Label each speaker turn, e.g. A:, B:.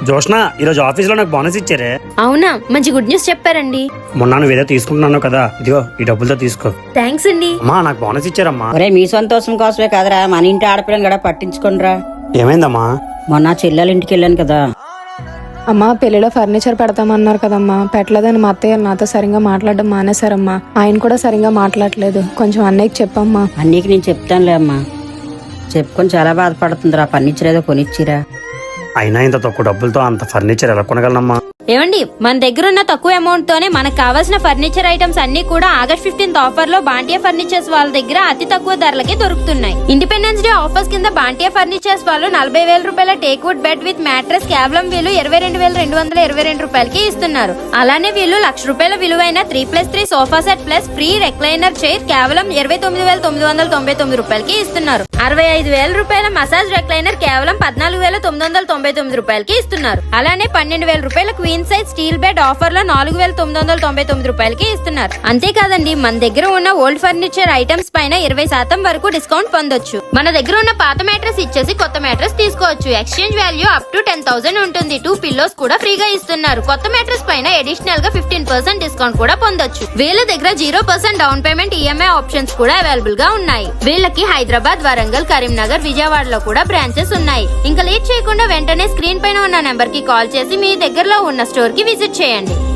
A: జోష్న, ఈరోజు ఆఫీస్ లో నాకు బోనస్ ఇచ్చారే.
B: అవునా, మంచి గుడ్ న్యూస్ చెప్పారండి.
A: మొన్న నువ్వు ఏదో తీసుకుంటున్నాను కదా, ఇదిగో ఈ డబ్బులతో తీసుకో.
B: థ్యాంక్స్ అండి.
A: అమ్మా, నాకు బోనస్ ఇచ్చారమ్మా.
C: ఒరే, మీ సంతోషం కోసమే కదరా, మన ఇంటి ఆడపిల్లని కూడా పట్టించుకోనరా.
A: ఏమైందమ్మా?
C: మొన్న చెల్లెల ఇంటికి వెళ్ళాను కదా.
D: అమ్మా, పెళ్లిలో ఫర్నిచర్ పెడతామన్నారు కదమ్మా, పెట్టలేదని మా అత్తయ్య నాతో సరిగ్గా మాట్లాడడం మానేశారమ్మా. ఆయన కూడా సరిగ్గా మాట్లాడలేదు. కొంచెం అన్నయ్యకి చెప్పమ్మా.
C: అన్నీకి నేను చెప్తానులే అమ్మా. చెప్పుకొని చాలా బాధపడుతుందిరా. ఫర్నిచర్ ఏదో కొనిచ్చిరా.
A: అయినా ఇంత తక్కువ డబ్బులతో అంత ఫర్నిచర్ ఎలా కొనగలనమ్మా?
B: ఏమండి, మన దగ్గర ఉన్న తక్కువ అమౌంట్ తోనే మనకు కావాల్సిన ఫర్నిచర్ ఐటమ్స్ అన్ని కూడా August 15th ఆఫర్ లో బాంటియా ఫర్నిచర్స్ వాళ్ళ దగ్గర అతి తక్కువ ధరలకి దొరుకుతున్నాయి. ఇండిపెండెన్స్ డే ఆఫర్స్ కింద బాంటియా ఫర్నిచర్స్ వాళ్ళు 40,000 రూపాయల టేక్వుడ్ బెడ్ విత్ మ్యాట్రెస్ కేవలం వీళ్ళు 22,222 రూపాయలకి ఇస్తున్నారు. అలానే వీళ్ళు ₹1,00,000 విలువైన 3+3 sofa set plus free recliner chair కేవలం 29,999 రూపాయలకి ఇస్తున్నారు. 65,000 రూపాయల మసాజ్ రెక్లైనర్ కేవలం 14,999 రూపాయలకి ఇస్తున్నారు. అలానే 12,000 రూపాయల queen size steel bed offer లో 4,999 రూపాయలకి ఇస్తున్నారు. అంతేకాదండి, మన దగ్గర ఉన్న ఓల్డ్ ఫర్నిచర్ ఐటమ్స్ పైన 20% వరకు డిస్కౌంట్ పొందొచ్చు. మన దగ్గర ఉన్న పాత మ్యాట్రెస్ ఇచ్చేసి కొత్త మ్యాట్రెస్ తీసుకోవచ్చు. ఎక్స్చేంజ్ వాల్యూ అప్ టు 10,000 ఉంటుంది. 2 పిల్లోస్ కూడా ఫ్రీగా ఇస్తున్నారు. కొత్త మ్యాట్రెస్ పైన అడిషనల్ గా 15% డిస్కౌంట్ కూడా పొందొచ్చు. వీళ్ళ దగ్గర 0% డౌన్ పేమెంట్ ఈఎంఐ ఆప్షన్స్ కూడా అవైలబుల్ గా ఉన్నాయి. వీళ్ళకి హైదరాబాద్, వరంగల్, కరీంనగర్, విజయవాడలో కూడా బ్రాంచెస్ ఉన్నాయి. ఇంకా లేట్ చేయకుండా వెంటనే స్క్రీన్ పైన ఉన్న నెంబర్ కి కాల్ చేసి మీ దగ్గరలో ఉన్న స్టోర్ కి విజిట్ చేయండి.